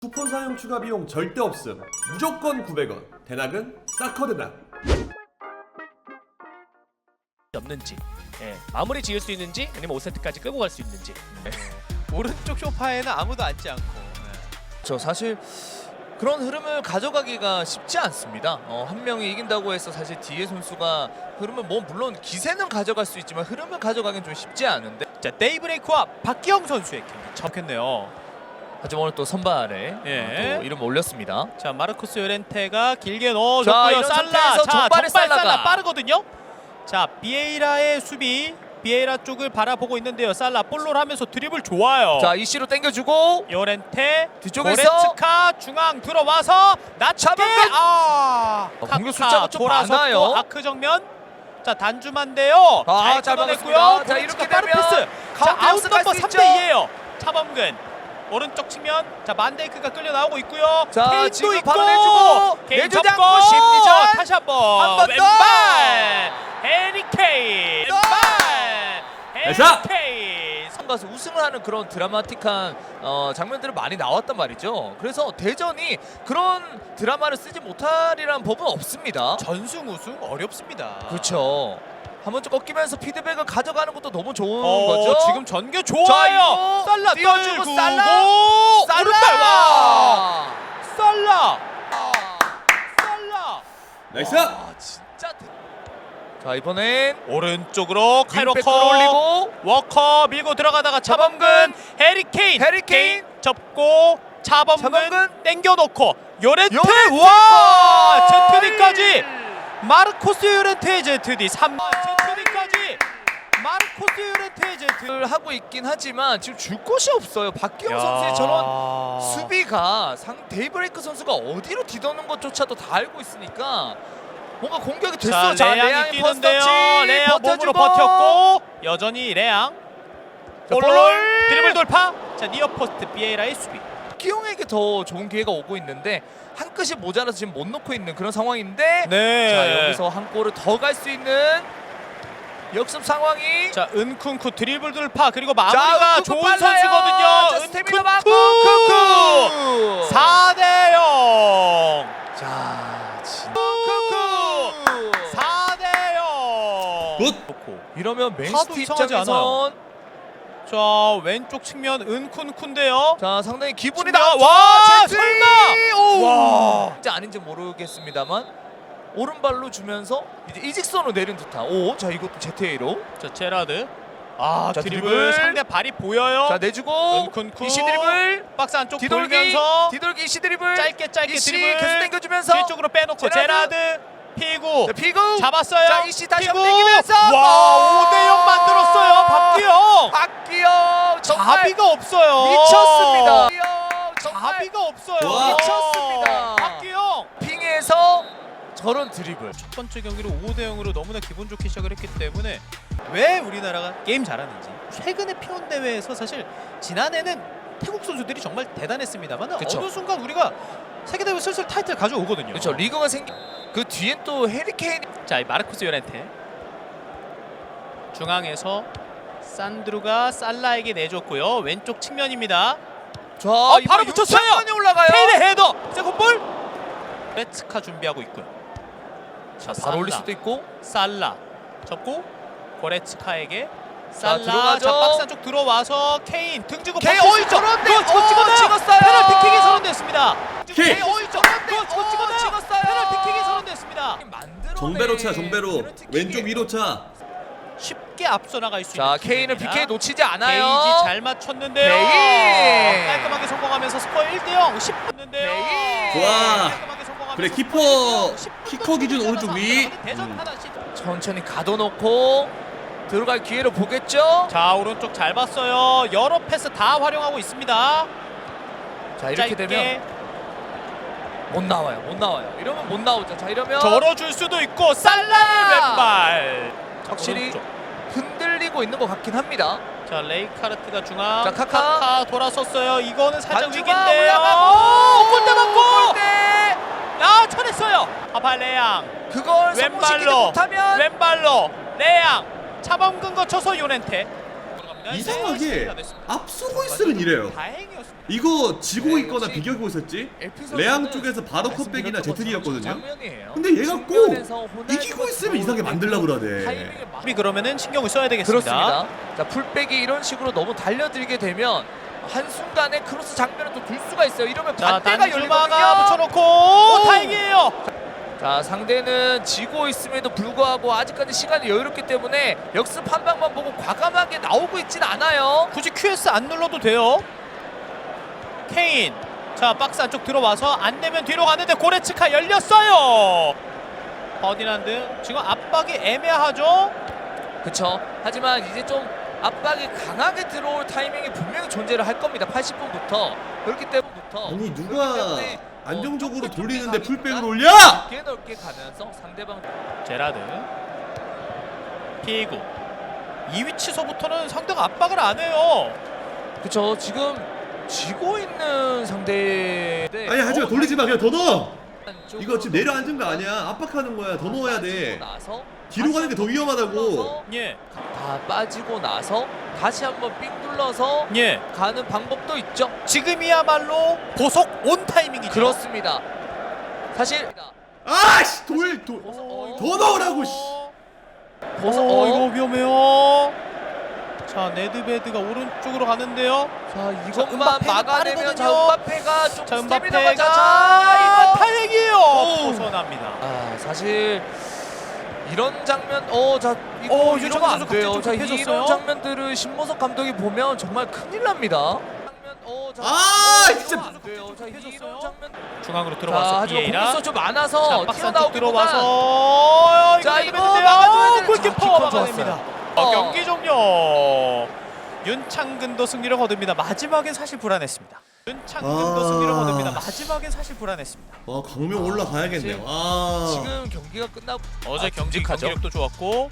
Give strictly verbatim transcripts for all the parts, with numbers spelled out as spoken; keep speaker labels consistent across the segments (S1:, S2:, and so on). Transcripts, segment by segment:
S1: 쿠폰 사용 추가 비용 절대 없음. 무조건 구백 원. 대낙은 사커 대낙.
S2: 없는지, 예, 마무리 지을 수 있는지, 아니면 오 세트까지 끌고 갈 수 있는지. 예.
S3: 오른쪽 소파에는 아무도 앉지 않고.
S4: 저 사실 그런 흐름을 가져가기가 쉽지 않습니다. 어, 한 명이 이긴다고 해서 사실 뒤에 선수가 흐름을 뭐 물론 기세는 가져갈 수 있지만 흐름을 가져가기는 좀 쉽지 않은데.
S3: 자, 데이브레이크와 박기영 선수의 경기 접했네요.
S4: 하지만 오늘 또 선발에
S3: 예.
S4: 어, 또 이름 올렸습니다.
S3: 자, 마르코스 요렌테가 길게
S4: 자,
S3: 넣어줬고요.
S4: 이런
S3: 살라,
S4: 상태에서
S3: 자,
S4: 정발의
S3: 정발 살라
S4: 살라가.
S3: 빠르거든요. 자, 비에이라의 수비, 비에이라 쪽을 바라보고 있는데요. 살라 볼롤 하면서 드리블 좋아요.
S4: 자, 이씨로 당겨주고
S3: 요렌테
S4: 뒤쪽에서
S3: 고레츠카 중앙 들어와서 낮게 아
S4: 어, 공격
S3: 카카
S4: 숫자가 좀
S3: 돌아섰고
S4: 많아요.
S3: 아크 정면. 자, 단주만데요.
S4: 아,
S3: 잘
S4: 잘
S3: 끊어냈고요.
S4: 막았습니다. 자,
S3: 고레츠카
S4: 이렇게
S3: 빠른
S4: 되면
S3: 패스. 자,
S4: 가운데
S3: 아웃
S4: 역습할
S3: 넘버
S4: 수
S3: 삼
S4: 있죠.
S3: 대 이예요. 차범근 오른쪽 측면. 자, 만데이크가 끌려 나오고 있고요.
S4: 자,
S3: 케인도
S4: 지금
S3: 있고
S4: 바로 내주고
S3: 케인
S4: 내주지
S3: 접고
S4: 않고 심리전.
S3: 다시 한번
S4: 한번 더.
S3: 왼발 해리 케인
S4: 또.
S3: 왼발 해리
S1: 나이스.
S3: 케인.
S4: 가서 우승을 하는 그런 드라마틱한 어, 장면들이 많이 나왔단 말이죠. 그래서 대전이 그런 드라마를 쓰지 못하리라는 법은 없습니다.
S3: 전승 우승 어렵습니다.
S4: 그렇죠. 한 번쯤 꺾이면서 피드백을 가져가는 것도 너무 좋은
S3: 어,
S4: 거죠.
S3: 지금 전개
S4: 자,
S3: 좋아요.
S4: 이거
S3: 살라
S4: 띄워주고
S3: 떨구고
S4: 살라.
S3: 오른발 와. 살라
S4: 아,
S3: 살라
S1: 나이스.
S4: 아, 진짜. 대... 자, 이번엔
S3: 오른쪽으로 카이로
S4: 윙백
S3: 커
S4: 끌어올리고
S3: 워커 밀고 들어가다가 차범근 해리케인
S4: 해리케인
S3: 접고 차범근,
S4: 차범근.
S3: 땡겨놓고 요렌테
S4: 요렌테
S3: 와
S4: 골!
S3: 제트디까지 마르코스 요렌테의 제트디 삼 제트디까지 마르코스 요렌테의 제트
S4: 를 하고 있긴 하지만 지금 줄 곳이 없어요. 박기영 선수의 저런 수비가 상 데이브레이크 선수가 어디로 뒤도는 것조차도 다 알고 있으니까 뭔가 공격이 됐어.
S3: 자,
S4: 자,
S3: 레앙이
S4: 레앙이
S3: 뛰는데요.
S4: 퍼스터치
S3: 레앙
S4: 버텨주고.
S3: 몸으로 버텼고 여전히 레앙
S4: 자,
S3: 볼롤
S4: 볼롤.
S3: 드리블 돌파. 자, 니어 포스트 비에이라의 수비.
S4: 박기영에게 더 좋은 기회가 오고 있는데 한 끗이 모자라서 지금 못 놓고 있는 그런 상황인데
S3: 네.
S4: 자, 여기서 한 골을 더 갈 수 있는 역습 상황이.
S3: 자, 은쿤쿠 드리블 돌파 그리고 마무리가
S4: 은쿤쿠
S3: 좋은
S4: 빨라요.
S3: 선수거든요.
S4: 자, 스태미나 많고
S3: 은쿤쿠 사 대 영.
S4: 자, 진짜
S3: 쿠쿠 사 대 영.
S1: 굿.
S4: 이러면
S3: 차도
S4: 맨시티
S3: 이상하지
S4: 입장에선
S3: 자, 왼쪽 측면 은쿤쿤데요.
S4: 자, 상당히 기분이
S3: 진짜?
S4: 나와.
S3: 와,
S4: 제트리!
S3: 설마!
S4: 오!
S3: 와.
S4: 진짜 아닌지 모르겠습니다만 오른발로 주면서 이제 이직선으로 내린 듯한. 오, 자, 이것도 제트에이로.
S3: 자, 제라드. 아,
S4: 자,
S3: 드리블.
S4: 드리블.
S3: 상대 발이 보여요.
S4: 자, 내주고
S3: 은쿤쿠
S4: 이시 드리블.
S3: 박스 안쪽
S4: 뒤돌기.
S3: 돌면서
S4: 뒤돌기 이시 드리블.
S3: 짧게 짧게
S4: 이시
S3: 드리블
S4: 계속 당겨주면서
S3: 뒤쪽으로 빼놓고
S4: 제라드.
S3: 제라드 피구
S4: 자, 피구.
S3: 잡았어요.
S4: 자, 이시 다시
S3: 피구.
S4: 한번 당기면서.
S3: 와, 오 대 영 만들었어요. 박기영.
S4: 박기영 정말
S3: 자비가 없어요.
S4: 미쳤습니다. 박기영 정말
S3: 자비가 없어요.
S1: 와.
S4: 미쳤습니다.
S3: 박기영.
S4: 핑에서 저런 드리블.
S3: 첫 번째 경기를 오 대 영으로 너무나 기분 좋게 시작을 했기 때문에 왜 우리나라가 게임 잘하는지 최근의 피온 대회에서 사실 지난해는 태국 선수들이 정말 대단했습니다만
S4: 그쵸.
S3: 어느 순간 우리가 세계 대회 슬슬 타이틀 가져오거든요.
S4: 그렇죠. 리그가 생기 그 뒤엔 또 해리케인.
S3: 자, 이 마르코스 요렌테 중앙에서 산드루가 살라에게 내줬고요. 왼쪽 측면입니다.
S4: 자,
S3: 어,
S4: 이거
S3: 바로 붙였어요.
S4: 윤창관이 올라가요.
S3: 케인의 헤더. 세컨볼. 레츠카 준비하고 있고요. 자,
S4: 바로 올릴
S3: 살라.
S4: 수도 있고.
S3: 살라 접고 고레츠카에게
S4: 자,
S3: 살라.
S4: 들어가죠.
S3: 자, 박스 안쪽 들어와서 케인 등지고
S4: 케인,
S3: 박스
S4: 어이,
S3: 있죠.
S4: 저런데.
S3: 그거 저
S4: 어,
S3: 찍었나요?
S4: 찍었어요.
S3: 페널티킥이 선언됐습니다.
S1: 케인.
S3: 케인, 어이, 저런데. 그거 저
S4: 어,
S3: 찍었나요?
S4: 찍었어요.
S3: 페널티킥이 선언됐습니다.
S4: 만들어내.
S1: 정배로 차 정배로.
S4: 페널티킥이.
S1: 왼쪽 위로 차.
S3: 쉽게 앞서 나갈 수
S4: 자,
S3: 있는
S4: 케인은
S3: 기회입니다.
S4: 피케 놓치지 않아요.
S3: 게이지 잘 맞췄는데요.
S4: 케인.
S3: 깔끔하게 성공하면서 스코어 일 대 영. 십 분인데요.
S4: 케인.
S1: 좋아.
S3: 깔끔하게 성공하면서
S1: 그래, 키퍼,
S3: 스코어 십 분
S1: 키커 기준 오른쪽 위.
S3: 대전
S1: 음.
S3: 하나씩.
S4: 천천히 가둬놓고 들어갈 기회를 보겠죠.
S3: 자, 오른쪽 잘 봤어요. 여러 패스 다 활용하고 있습니다.
S4: 자, 이렇게
S3: 짧게
S4: 되면 못 나와요. 못 나와요. 이러면 못 나오죠. 자, 이러면
S3: 절어줄 수도 있고 살라의 왼발.
S4: 확실히
S3: 오른쪽.
S4: 흔들리고 있는 것 같긴 합니다.
S3: 자, 레이카르트가 중앙.
S4: 자, 카카.
S3: 돌아섰어요. 이거는 살짝
S4: 반주가
S3: 위기인데요.
S4: 올라가고
S3: 오, 골대 맞고.
S4: 골대.
S3: 아, 쳐냈어요. 아발레양.
S4: 그걸 성공시키지
S3: 왼발로
S4: 못하면
S3: 왼발로 레양 차범근 거쳐서 요렌테
S1: 이상하게 앞서고 있으면 이래요.
S3: 다행이었습니다.
S1: 이거 지고
S4: 네,
S1: 있거나
S4: 역시
S1: 비교하고 있었지?
S4: 에피소드는
S1: 레앙 쪽에서 바로 컷백이나 제트리였거든요.
S4: 장면이에요.
S1: 근데 얘가 꼭
S4: 측면에서 호날두가
S1: 이기고 있으면 이상하게 만들려고 그러네.
S4: 타이밍을 막-
S3: 우리 그러면은 신경을 써야 되겠습니다.
S4: 그렇습니다. 자 풀백이 이런 식으로 너무 달려들게 되면 한 순간에 크로스 장면을 또 둘 수가 있어요. 이러면
S3: 자,
S4: 반대가
S3: 단줄마가
S4: 열리거든요.
S3: 붙여놓고
S4: 오!
S3: 다행이에요.
S4: 자 상대는 지고 있음에도 불구하고 아직까지 시간이 여유롭기 때문에 역습 한 방만 보고 과감하게 나오고 있진 않아요.
S3: 굳이 큐에스 안 눌러도 돼요. 케인. 자 박스 안쪽 들어와서 안 되면 뒤로 가는데 고레츠카 열렸어요. 버디난드 지금 압박이 애매하죠.
S4: 그쵸. 하지만 이제 좀 압박이 강하게 들어올 타이밍이 분명히 존재를 할 겁니다. 팔십 분부터 그렇기 때문부터
S1: 아니
S4: 그렇기
S1: 누가
S4: 때문에
S1: 안정적으로
S4: 어,
S1: 돌리는데
S4: 좀
S1: 풀백을
S4: 가기보다
S1: 올려?
S4: 넓게 넓게 가면서 상대방
S3: 제라드 피구 이 위치서부터는 상대가 압박을 안 해요.
S4: 그쵸. 지금 지고 있는 상대
S1: 아니 하지마 돌리지 마 그냥 더 넣어. 이거 지금 내려앉은 거 아니야. 압박하는 거야. 더 넣어야 돼.
S4: 나서
S1: 뒤로 가는 게 더 위험하다고.
S3: 예,
S4: 다 빠지고 나서 다시 한번 삥 둘러서
S3: 예.
S4: 가는 방법도 있죠.
S3: 지금이야말로 보석 온 타이밍이죠.
S4: 그렇습니다. 사실
S1: 아씨 돌 돌.
S4: 어,
S1: 더 넣으라고, 씨.
S4: 보석
S3: 어,
S4: 어,
S3: 이거 위험해요. 자 네드베드가 오른쪽으로 가는데요.
S4: 자
S3: 자,
S4: 이것만
S3: 음바페가
S4: 막아내면 자
S3: 빠르거든요.
S4: 음바페가 좀
S3: 자
S4: 스태미나가
S3: 음바페가
S4: 자,
S3: 자,
S4: 이거
S3: 타이밍이에요.
S4: 오.
S3: 벗어납니다.
S4: 아 사실 이런 장면 어자 이거
S3: 어,
S4: 이러면
S3: 유창근
S4: 안
S3: 선수
S4: 돼요.
S3: 갑자기
S4: 자
S3: 좀 급해졌어요.
S4: 이런 장면들을 신모석 감독이 보면 정말 큰일 납니다. 장면 어자
S1: 아,
S4: 이러면
S1: 진짜.
S4: 안 돼요. 자 이런 장면
S3: 중앙으로
S4: 자
S3: 들어와서
S4: 하지만
S3: 비에이라.
S4: 공격수 좀 많아서
S3: 자 박스 안쪽
S4: 튀어나오기보단
S3: 들어와서
S4: 자,
S3: 이거
S4: 이거
S3: 내드베드인데요.
S4: 막아줘야 되는-
S3: 골키퍼
S4: 자, 키퍼
S3: 막아냅니다.
S4: 좋았어요.
S3: 어,
S4: 어.
S3: 경기 종료. 윤창근도 승리를 거둡니다. 마지막엔 사실 불안했습니다. 윤창근도
S1: 아.
S3: 승리를 거둡니다. 마지막엔 사실 불안했습니다.
S1: 아 강명 올라가야겠네요.
S4: 지금-
S1: 아
S4: 지금 경기가 끝나고
S3: 어제
S4: 아,
S3: 경기
S4: 듬직하죠.
S3: 경기력도 좋았고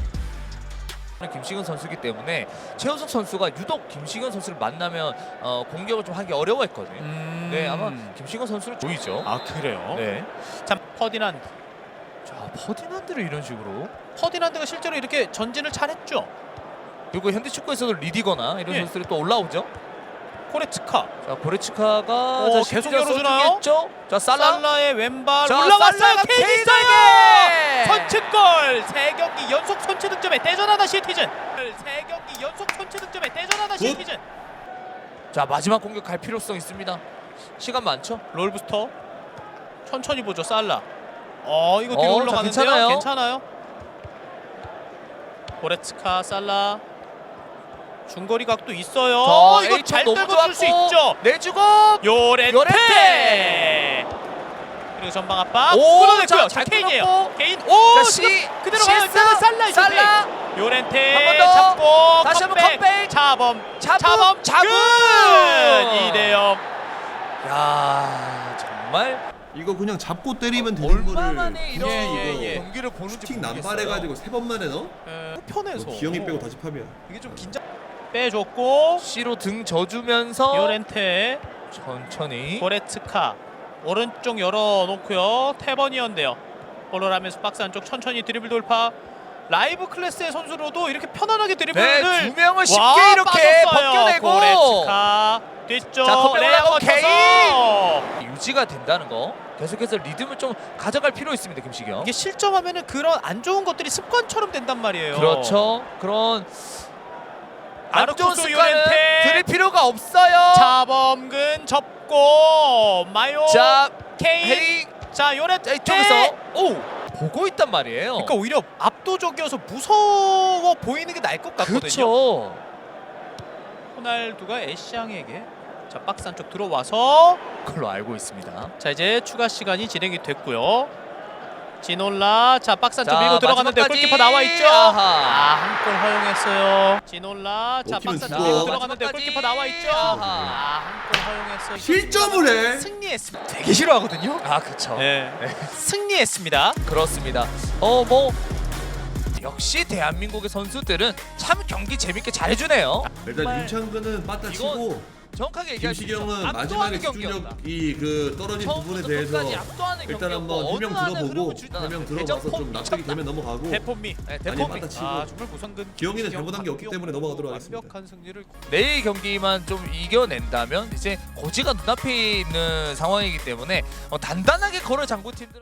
S4: 김시근 선수이기 때문에 최우석 선수가 유독 김시근 선수를 만나면 어, 공격을 좀 하기 어려워했거든요.
S3: 음...
S4: 네 아마 김시근 선수를 보이죠.
S3: 아 그래요?
S4: 네.
S3: 참 퍼디난드.
S4: 자 퍼디난드를 이런 식으로
S3: 퍼디난드가 실제로 이렇게 전진을 잘했죠.
S4: 그리고 현대 축구에서도 리디거나 이런
S3: 예.
S4: 선수들이 또 올라오죠.
S3: 코레츠카.
S4: 자 고레츠카가
S3: 오,
S4: 자,
S3: 계속
S4: 심지어
S3: 열어주나요?
S4: 써주겠죠? 자 살라
S3: 살라의 왼발
S4: 자,
S3: 올라갔어요.
S4: 살라가
S3: 케이스에게
S4: 케이스에게!
S3: 선취골. 세 경기 연속 선취 득점에 대전하다 시티즌. 세 경기 연속 선취 득점에 대전하다
S1: 굿.
S3: 시티즌.
S4: 자 마지막 공격 갈 필요성 있습니다. 시간 많죠?
S3: 롤부스터 천천히 보죠. 살라. 어 이거 뒤로
S4: 어, 자,
S3: 올라가는데요.
S4: 괜찮아요.
S3: 괜찮아요. 고레츠카 살라. 중거리 각도 있어요.
S4: 자,
S3: 이거
S4: 에이톤
S3: 잘
S4: 너무
S3: 떨궈 줄 수
S4: 좋았고,
S3: 있죠.
S4: 내주고
S3: 요렌테.
S4: 요렌테!
S3: 그리고 전방 압박.
S4: 오,
S3: 끌어냈고요.
S4: 자,
S3: 자,
S4: 잘
S3: 케인이에요.
S4: 끊었고.
S3: 케인. 오,
S4: 자,
S3: 지금
S4: 시
S3: 그대로 가요.
S4: 시에스,
S3: 살라 살라
S4: 살라
S3: 요렌테. 요렌테
S4: 한번 더.
S3: 잡고
S4: 다시 한번 컵백.
S3: 차범.
S4: 잡음,
S3: 차범.
S4: 잡음.
S3: 이 대 영.
S4: 야 정말
S1: 이거 그냥 잡고 때리면 되는
S4: 얼마
S1: 거를
S4: 만에 이런
S3: 예, 예, 예.
S4: 경기를 보는지
S1: 슈팅
S4: 모르겠어요.
S1: 난발해가지고 세 번 만에 넣어?
S3: 편해서.
S1: 뭐 기영이 빼고 다 집합이야.
S3: 이게 좀 긴장. 빼줬고
S4: C로 등 져주면서
S3: 요렌테.
S4: 천천히
S3: 고레츠카 오른쪽 열어놓고요. 태번이었는데요. 볼을 하면서 박스 안쪽 천천히 드리블 돌파. 라이브 클래스의 선수로도 이렇게 편안하게 드리블을
S4: 네, 두 명을 쉽게
S3: 와,
S4: 이렇게
S3: 빠졌어요.
S4: 벗겨내고
S3: 고레츠카 뒤쪽
S4: 자, 컵백
S3: 레아
S4: 올라가고
S3: 거쳐서
S4: 유지가 된다는 거 계속해서 리듬을 좀 가져갈 필요 있습니다. 김시경.
S3: 이게 실점하면은 그런 안 좋은 것들이 습관처럼 된단 말이에요.
S4: 그렇죠. 그런 안 좋은
S3: 마르코스
S4: 습관은
S3: 요렌테.
S4: 들일 필요가 없어요.
S3: 자범근 접고 마요
S4: 자,
S3: 케인
S4: 헤이
S3: 자 요렌테
S4: 자, 이쪽에서 오 보고 있단 말이에요.
S3: 그러니까 오히려 압도적이어서 무서워 보이는 게 나을 것 같거든요.
S4: 그렇죠.
S3: 호날두가 애쉬앙에게 자 박스 안쪽 들어와서
S4: 그걸로 알고 있습니다.
S3: 자 이제 추가 시간이 진행이 됐고요. 지놀라 자 박스 안쪽
S4: 자,
S3: 밀고 들어갔는데
S4: 마지막까지.
S3: 골키퍼 나와 있죠.
S4: 아하.
S3: 아한 골 허용했어요. 지놀라 자
S1: 먹히면
S3: 박스 안쪽
S1: 죽어.
S3: 밀고 들어갔는데
S4: 마지막까지.
S3: 골키퍼 나와 있죠.
S4: 아하.
S3: 아한 골 허용했어요.
S1: 실점을 해.
S3: 승리했습니다. 되게 싫어하거든요.
S4: 아 그렇죠.
S3: 네. 승리했습니다.
S4: 그렇습니다. 어 뭐 역시 대한민국의 선수들은 참 경기 재밌게 잘해주네요.
S1: 일단 윤창근은 빠따
S4: 이건-
S1: 치고
S4: 정확하게 얘기할 수 있죠.
S1: 김시경은
S4: 압도하는
S1: 마지막에
S4: 경기였다.
S1: 집중력이 그 떨어진 부분에
S4: 처음부터
S1: 대해서
S4: 끝까지 압도하는
S1: 일단
S4: 경기였고
S1: 한번 해명
S4: 어느 하나
S1: 들어보고
S4: 흐름을 주지
S1: 해명
S4: 않았어요.
S1: 들어봐서 좀
S4: 대전폼
S1: 납득이
S4: 미쳤다.
S1: 되면 넘어가고
S3: 대본미.
S4: 네,
S1: 아니
S4: 대범이.
S1: 맞다 치고
S3: 아 정말 무성근.
S1: 기영이는 잘못한 게 없기 때문에 넘어가도록 하겠습니다.
S3: 완벽한 승리를
S4: 내일 경기만 좀 이겨낸다면 이제 고지가 눈앞에 있는 상황이기 때문에 어, 단단하게 걸어 잠그팀들